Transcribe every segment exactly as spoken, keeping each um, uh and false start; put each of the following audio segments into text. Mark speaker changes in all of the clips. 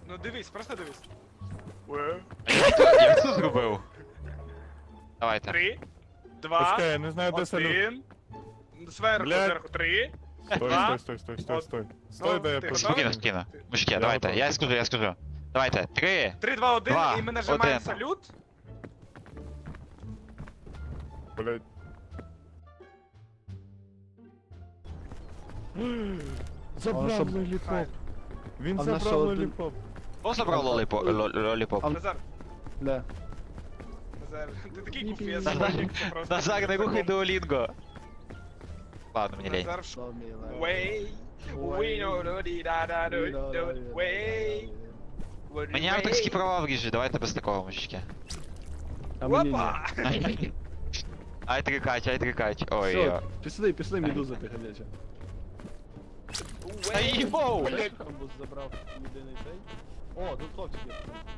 Speaker 1: Ну дивись, просто дивись.
Speaker 2: Я це зробив. Давайте.
Speaker 1: Три, два,
Speaker 3: Почекай, я не знаю, де салют.
Speaker 1: один. Зверху,
Speaker 3: Блядь.
Speaker 1: зверху, три.
Speaker 3: Стой,
Speaker 1: Два.
Speaker 3: стой, стой, стой, стой,
Speaker 1: От.
Speaker 3: стой. Стой,
Speaker 1: Ну,
Speaker 3: да я
Speaker 1: ти
Speaker 3: просто...
Speaker 2: Спокійно, спокійно. Мужики,
Speaker 3: Я
Speaker 2: давайте.
Speaker 3: готовий.
Speaker 2: Я скажу, я скажу. Давайте. Три.
Speaker 1: Три, два, один,
Speaker 2: Два,
Speaker 1: і ми нажимаємо
Speaker 2: один.
Speaker 1: салют.
Speaker 3: Блядь. Забрав
Speaker 4: щоб-
Speaker 3: лоліпоп. Він
Speaker 4: А в нас що,
Speaker 3: забрав
Speaker 4: один-
Speaker 3: лоліпоп.
Speaker 2: Хто забрав лоліпо- ло- лоліпоп?
Speaker 4: А-
Speaker 1: Назар,
Speaker 4: Бля.
Speaker 1: Назар, ти такий
Speaker 4: Ні,
Speaker 1: куф, я
Speaker 4: ні,
Speaker 1: забув,
Speaker 2: ні.
Speaker 1: що просто.
Speaker 2: Назар, не рухай дуолінго. Ладно, мені лень.
Speaker 1: Назар, в ш-
Speaker 4: Show me like-
Speaker 1: Way, we know the di da da do do way.
Speaker 2: Мені авторські права вріжуть, давайте без такого, мужички.
Speaker 4: А мені ні.
Speaker 1: Опа!
Speaker 2: Ай трикач, ай трикач. Ой,
Speaker 4: Все,
Speaker 2: ой.
Speaker 4: пішли, пішли, медуза ти ходяча.
Speaker 2: Та їбоу!
Speaker 4: Камбус забрав єдиний цей. О, тут хлопчик є.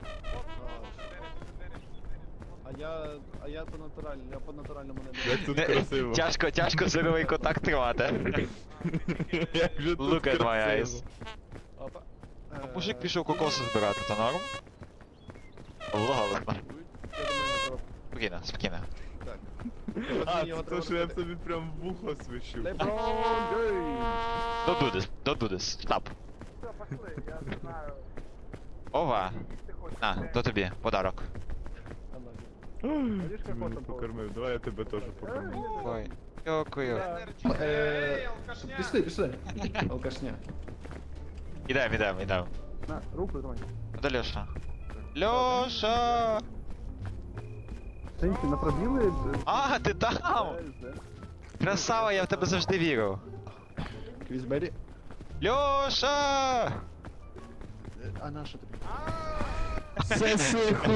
Speaker 4: А я, а я по натуральному, я по натуральному не
Speaker 3: Як тут
Speaker 2: Не-
Speaker 3: красиво.
Speaker 2: Тяжко, тяжко зоровий контакт тримати.
Speaker 3: Як же тут
Speaker 2: Look at my
Speaker 3: красиво.
Speaker 2: eyes.
Speaker 4: Опа. Е,
Speaker 2: Мужик пішов кокоси збирати, то норм? Ладно.
Speaker 4: Я думаю, я треба-
Speaker 2: Спокійно, спокійно.
Speaker 4: Так.
Speaker 3: А,
Speaker 4: Його
Speaker 3: це
Speaker 4: треба
Speaker 3: то, що я
Speaker 4: робити.
Speaker 3: собі прям в вухо свищу.
Speaker 4: Леброн Джеймс.
Speaker 2: Don't do this, don't do this, stop.
Speaker 1: Все, пошли, я не знаю.
Speaker 2: Ова,
Speaker 1: Ти хочеш.
Speaker 2: на, то тобі, подарок.
Speaker 4: Видиш,
Speaker 3: Ти
Speaker 4: як
Speaker 3: мене
Speaker 4: потом
Speaker 3: покормив, давай я тебе теж покормлю.
Speaker 2: Ой, дякую.
Speaker 1: Енерджі.
Speaker 4: Е,
Speaker 1: Ей, алкашня.
Speaker 4: Пішли, пішли. Алкашня.
Speaker 2: Ідем, ідем, ідем.
Speaker 4: На, руку тримай.
Speaker 2: Де Льоша? Льоша!
Speaker 4: Сеньки, на пробіли?
Speaker 2: А, ти там! Красава, я в тебе завжди вірив.
Speaker 4: Квізбері.
Speaker 2: Льоша!
Speaker 4: А на що тобі?
Speaker 3: Це сиху!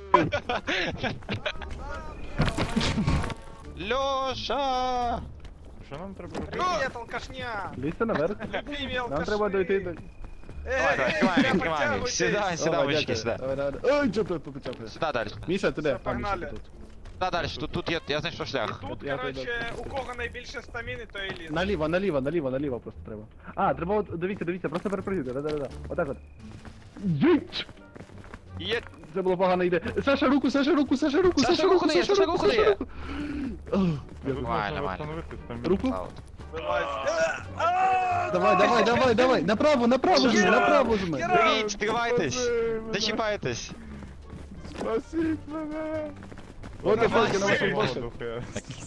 Speaker 2: Льоша!
Speaker 3: Що нам треба робити?
Speaker 1: Привіт, алкашня.
Speaker 4: Лізьте наверх.
Speaker 1: Любимі
Speaker 4: Нам
Speaker 1: алкаші.
Speaker 4: треба дойти до...
Speaker 2: Давай, давай, відкривай, відкривай. Сідай, сідай,
Speaker 4: О,
Speaker 2: мужики,
Speaker 4: дякую.
Speaker 2: сюди.
Speaker 4: Давай, давай. Ой, чопи, почапи.
Speaker 2: Сюди далі.
Speaker 4: Міша, ти де?
Speaker 1: Все,
Speaker 4: А, Міша,
Speaker 1: погнали.
Speaker 4: ти тут.
Speaker 2: Сюди далі, тут, тут я, я знайшов шлях.
Speaker 1: Тут,
Speaker 4: Я
Speaker 1: короче,
Speaker 4: пойду.
Speaker 1: у кого найбільше стаміни, то і лізе.
Speaker 4: Наліво, наліво, наліво, наліво просто треба. А, треба от, дивіться, дивіться, просто перепрыгнути, да-да-да. Отак от. Єть!
Speaker 2: Є.
Speaker 4: Це було погано йде. Саша, руку, Саша, руку, Саша, руку,
Speaker 2: Саша,
Speaker 4: Саша,
Speaker 2: руку
Speaker 4: руку,
Speaker 2: дає,
Speaker 4: Саша,
Speaker 2: Саша,
Speaker 4: руку,
Speaker 2: руку
Speaker 4: Саша,
Speaker 2: дає.
Speaker 4: руку. Ох,
Speaker 3: Тут
Speaker 2: Нормально,
Speaker 3: можна
Speaker 2: нормально.
Speaker 3: встановити там.
Speaker 4: Руку?
Speaker 2: Аут.
Speaker 1: Вилазь. А,
Speaker 4: Давай, давай, давай, давай, направо, направо жми, направо жми.
Speaker 2: Беріть, стривайтесь! Зачіпайтесь!
Speaker 3: Спасіть мене!
Speaker 4: От
Speaker 2: Давай,
Speaker 4: ефельки на вашому
Speaker 2: Саша.
Speaker 4: босі.
Speaker 3: Духе.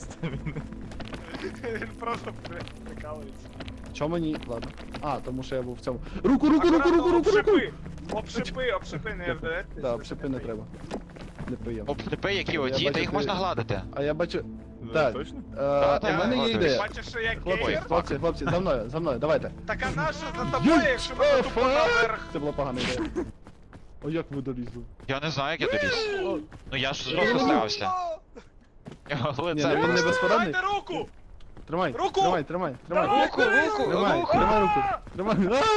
Speaker 1: Він просто при- прикалується.
Speaker 4: Чому мені? Ладно. А, тому що я був в цьому. Руку, руку, руку,
Speaker 1: Акуратно,
Speaker 4: руку, руку, руку.
Speaker 1: обшипи. Обшипи, обшипи, не вдається.
Speaker 4: Да, обшипи не треба. Неприємно.
Speaker 2: Обшипи, які
Speaker 4: Я
Speaker 2: оті,
Speaker 4: бачу,
Speaker 2: та їх
Speaker 4: ти-
Speaker 2: можна гладити.
Speaker 4: А я бачу.
Speaker 3: Да,
Speaker 4: Так.
Speaker 3: Точно?
Speaker 4: Е,
Speaker 2: та,
Speaker 4: У мене є
Speaker 2: ладно,
Speaker 4: ідея.
Speaker 1: Бачиш, що я
Speaker 4: Хлопці,
Speaker 1: кейр?
Speaker 4: хлопці, хлопці, за мною, за мною, давайте.
Speaker 1: Так а наша за тобою, якщо ми тупо наверх.
Speaker 4: Це була погана ідея. О, як ви долізли?
Speaker 2: Я не знаю, як я доліз.
Speaker 4: О,
Speaker 2: Ну я ж жорстко старався. Його
Speaker 4: Ні,
Speaker 2: лице.
Speaker 4: ну він не
Speaker 2: просто-
Speaker 4: безпорадний.
Speaker 1: Дайте руку!
Speaker 4: Тримай,
Speaker 1: Руку!
Speaker 4: тримай, тримай, тримай.
Speaker 2: Руку, руку,
Speaker 4: Тримай,
Speaker 2: руку!
Speaker 4: тримай руку. Тримай.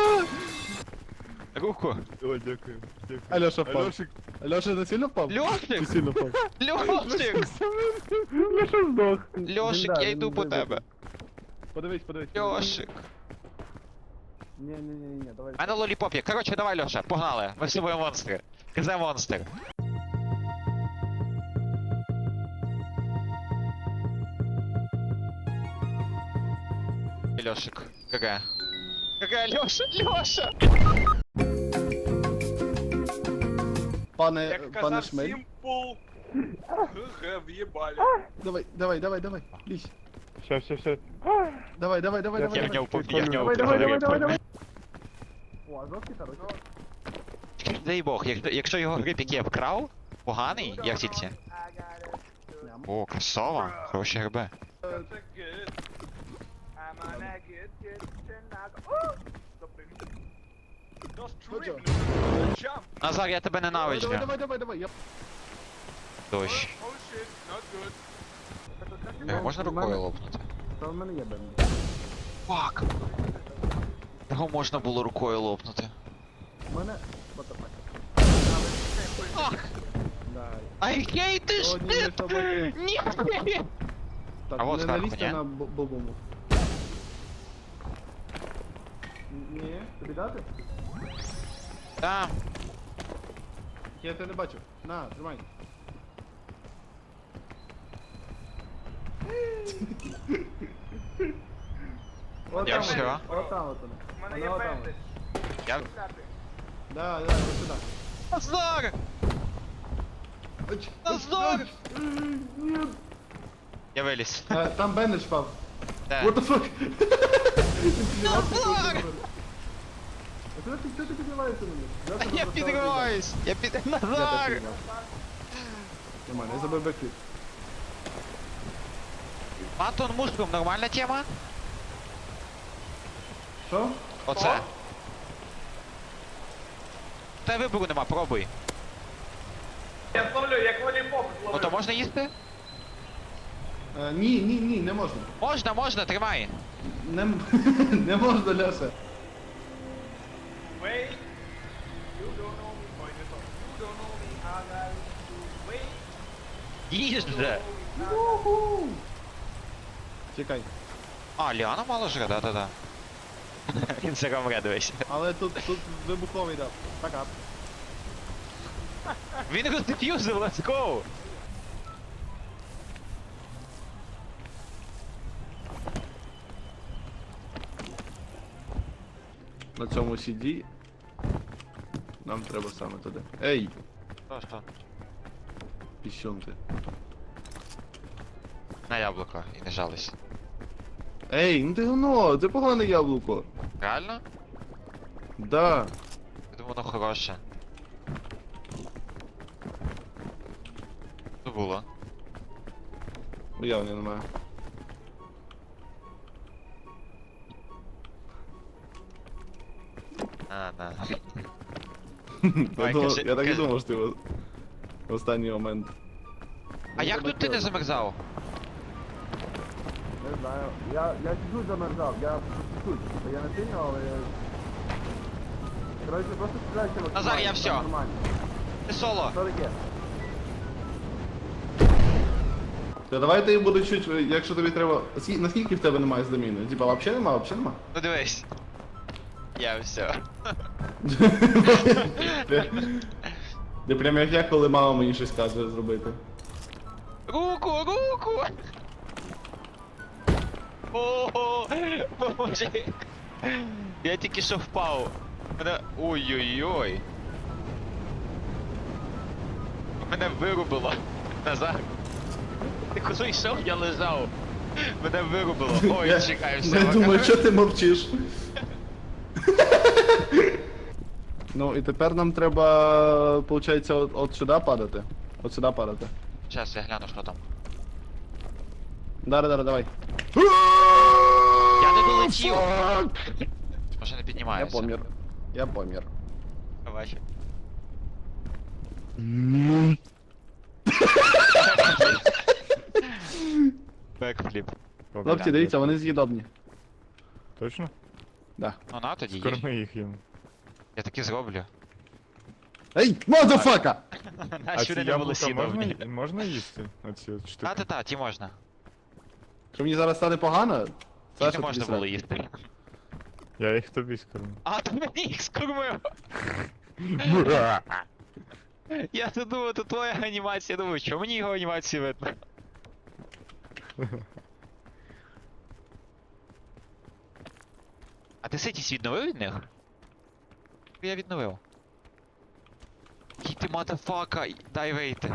Speaker 4: А!
Speaker 2: Руку.
Speaker 3: О, дякую. Дякую.
Speaker 4: Альоша впав.
Speaker 3: Альошик,
Speaker 4: Альоша, ти сильно впав? Чи
Speaker 2: Льошик!
Speaker 4: сильно впав?
Speaker 2: Льошик!
Speaker 4: Льоша здох.
Speaker 2: Льошик,
Speaker 4: Він, да,
Speaker 2: я
Speaker 4: він
Speaker 2: йду по
Speaker 4: здох.
Speaker 2: тебе.
Speaker 4: Подивись, подивись.
Speaker 2: Льошик.
Speaker 4: Ні, ні, ні, ні, давай.
Speaker 2: А на лоліпоп є. Коротше, давай, Льоша, погнали. Ми з тобою монстри. Казе монстр. Льошик. ГГ. ГГ, Льоша, Льоша!
Speaker 4: Пане,
Speaker 1: Як
Speaker 4: пане
Speaker 1: казав
Speaker 4: Шмель.
Speaker 1: Сімпл. Г в'єбалі.
Speaker 4: Давай, давай, давай, давай. Лізь.
Speaker 3: ща, ща, ща.
Speaker 4: Давай, давай, давай,
Speaker 3: Я
Speaker 4: давай.
Speaker 2: Я в
Speaker 4: давай.
Speaker 2: нього поп- я в нього
Speaker 4: Давай, давай, давай, давай,
Speaker 2: пригорів.
Speaker 4: давай. О, а жовтий хороший.
Speaker 2: Дай Бог, якщо, якщо його гриб я вкрав, поганий, як тільки.
Speaker 4: Ням.
Speaker 2: О, красава, хороші гриби.
Speaker 1: That's a good. I'm on a good, good tonight. О! Допригни. Just
Speaker 4: Хоча.
Speaker 1: trip, jump.
Speaker 2: Назар, я тебе
Speaker 4: Давай,
Speaker 2: ненавиджу.
Speaker 4: давай, давай, давай, давай. Я...
Speaker 2: Дощ.
Speaker 1: Oh shit, not good.
Speaker 2: Його можна рукою лопнути?
Speaker 4: Та в мене є бен.
Speaker 2: Фак. Його можна було рукою лопнути.
Speaker 4: У мене... Батафак.
Speaker 2: Ах!
Speaker 4: Дай.
Speaker 2: I hate this
Speaker 4: О, ні, не
Speaker 2: shit!
Speaker 4: собаки.
Speaker 2: Ні!
Speaker 4: Так,
Speaker 2: А вот
Speaker 4: не
Speaker 2: зверху,
Speaker 4: налізьте
Speaker 2: ні?
Speaker 4: на бо- бобому. Ні, тобі дати?
Speaker 2: Там.
Speaker 5: Я тебе не бачу. На, тримай.
Speaker 4: От
Speaker 2: Я
Speaker 4: там
Speaker 2: все.
Speaker 4: воно, от там от воно.
Speaker 1: У мене
Speaker 4: Воно
Speaker 1: є
Speaker 4: от там
Speaker 1: бендич.
Speaker 2: Я...
Speaker 5: Да, да, ось сюди.
Speaker 2: Назар!
Speaker 5: Оч,
Speaker 2: Назар!
Speaker 5: оч, оч. Ні.
Speaker 2: Я виліз.
Speaker 5: Е, Там бендич впав.
Speaker 2: Де?
Speaker 5: What the fuck?
Speaker 2: Назар!
Speaker 4: А чого ти, чого ти піднімаєшся на мене?
Speaker 2: Я підриваюсь! Я під...
Speaker 4: Я
Speaker 2: Назар!
Speaker 4: так
Speaker 5: Нормально, я забив бекфліп.
Speaker 2: Антон Мушком, нормальна тема?
Speaker 5: Що?
Speaker 2: Оце. Та вибору нема, пробуй.
Speaker 1: Я зловлю, як волейбол
Speaker 2: Ну
Speaker 1: зловлю.
Speaker 2: то можна їсти?
Speaker 5: Е, Ні, ні, ні, не можна.
Speaker 2: Можна, можна, тримай.
Speaker 5: Не, м- не можна, Ляша.
Speaker 1: Wait. You don't know me, boy, this one. You don't know me, I got you. Wait.
Speaker 2: Їж
Speaker 1: You
Speaker 2: же.
Speaker 1: don't know me, I got you.
Speaker 5: Чекай.
Speaker 2: А, Ліана мало жре, да-да-да. Він все ромре, дивись.
Speaker 5: Але тут, тут вибуховий дав. Пока.
Speaker 2: Він роздеф'юзив, let's go!
Speaker 5: На цьому сіді. Нам треба саме туди. Ей,
Speaker 2: Що, що?
Speaker 5: піщонки.
Speaker 2: На яблуко і не жались.
Speaker 5: Ей, ну ти говно, це погане яблуко.
Speaker 2: Реально?
Speaker 5: Да.
Speaker 2: Я думаю, воно хороше. Що було?
Speaker 5: Уявлення немає.
Speaker 2: А, на.
Speaker 5: Я,
Speaker 2: Давай,
Speaker 5: думав,
Speaker 2: кажи-
Speaker 5: я так і
Speaker 2: кажи.
Speaker 5: думав, що ти в в останній момент.
Speaker 2: А як тут ти не замерзав?
Speaker 4: Не знаю. Я, я чуть-чуть замерзав, я чуть-чуть. Я не сильно, але я... Короче, просто стріляйся в
Speaker 2: Назар, я всьо.
Speaker 4: Нормально.
Speaker 2: Ти соло.
Speaker 4: Що таке?
Speaker 5: Та давай ти буду чуть, якщо тобі треба. Скі- Наскільки в тебе немає здаміни? Типа вообще нема, вообще нема?
Speaker 2: Ну дивись. Я все.
Speaker 5: Ти- Ти прям як я, коли мама мені щось каже зробити.
Speaker 2: Руку, руку! Ого, поможи. Я тільки що впав. Мене... Ой-ой-ой. Мене вирубило. Назар. Ти коли йшов, я лежав. Мене вирубило. Ой,
Speaker 5: Я-
Speaker 2: чекай, все.
Speaker 5: Я думаю, що ти мовчиш. Ну і тепер нам треба, виходить, от, от сюди падати. От сюди падати.
Speaker 2: Зараз я гляну, що там.
Speaker 5: Дара, дара, давай.
Speaker 2: Я не долетів. Може не
Speaker 5: Я
Speaker 2: піднімається.
Speaker 5: помір. Я помір.
Speaker 2: Бачу. Бекфліп.
Speaker 5: Хлопці, дивіться, вони з'їдобні.
Speaker 3: Точно?
Speaker 5: Да.
Speaker 2: Ну на тоді їж.
Speaker 3: Корми їх їм.
Speaker 2: Я таки зроблю.
Speaker 5: Ей, мазафака!
Speaker 3: А
Speaker 2: Наші
Speaker 3: ці
Speaker 2: вони не були
Speaker 3: яблука
Speaker 2: сідовні.
Speaker 3: можна, можна їсти? Оці от штуки?
Speaker 2: Та-та-та, ті можна.
Speaker 5: Що мені зараз стане погано?
Speaker 2: Їх
Speaker 5: Саша,
Speaker 2: не
Speaker 5: тобі
Speaker 2: можна
Speaker 5: срати.
Speaker 2: було їсти.
Speaker 3: Я їх тобі скормлю.
Speaker 2: А, ти мені їх скормив! Я тут думав, це твоя анімація, думаю, що мені його анімації видно? А ти ситість відновив від них? Я відновив. Який ти матафака, дай вийти.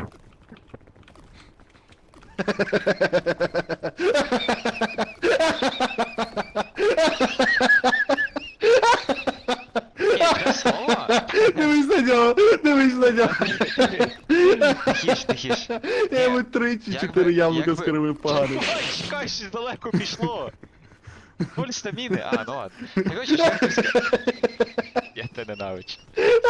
Speaker 2: Ні, це слово?
Speaker 5: Дивись на нього, дивись на нього.
Speaker 2: Тихіш, тихіш.
Speaker 5: Я йому три чи
Speaker 2: Як
Speaker 5: чотири
Speaker 2: би-
Speaker 5: яблука
Speaker 2: як би-
Speaker 5: скривив погано.
Speaker 2: Чекай, чекай, щось далеко пішло. Нуль стаміни, а, ну ладно. Короче, що ти сказав? Я тебе ненавичу.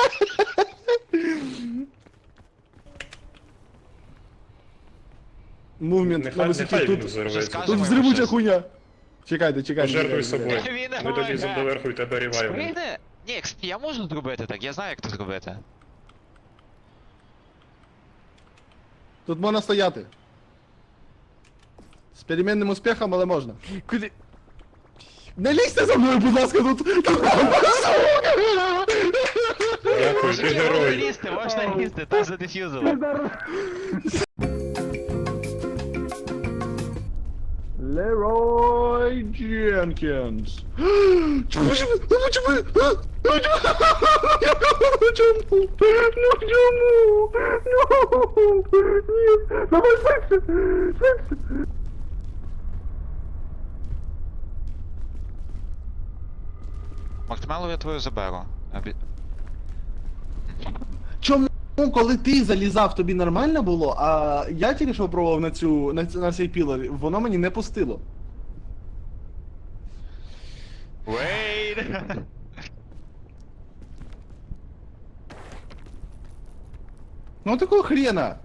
Speaker 5: Мувмент на
Speaker 6: Нехай,
Speaker 5: висоті
Speaker 6: нехай він
Speaker 5: тут.
Speaker 6: взорветься.
Speaker 2: скаже.
Speaker 5: Тут взривуча хуйня. Чекайте, чекайте.
Speaker 6: Пожертвуй
Speaker 5: чекайте, чекайте.
Speaker 6: собою.
Speaker 2: Він
Speaker 6: Ми тоді
Speaker 2: нормально.
Speaker 6: доверху і тебе ріваємо.
Speaker 2: Сприйде? Ні, кстати, я можу зробити так, я знаю, як це зробити.
Speaker 5: Тут можна стояти. З перемінним успіхом, але можна.
Speaker 3: Куди?
Speaker 5: Не лізьте за мною, будь ласка, тут.
Speaker 6: Дякую.
Speaker 3: ти герой.
Speaker 2: Можна лізти, можна лізти, там задефюзили.
Speaker 5: Лерой Дженкінс. Чому? Чому? Чому? Чому? Чому? Ну чому? Ну! Ні! Давай швидше! Швидше!
Speaker 2: Мартмеллоу я твою заберу. Обі-
Speaker 5: Чому, коли ти залізав, тобі нормально було, а я тільки що пробував на цю на, ц- на цей пілер, воно мені не пустило.
Speaker 2: Wait!
Speaker 5: Ну такого хрена.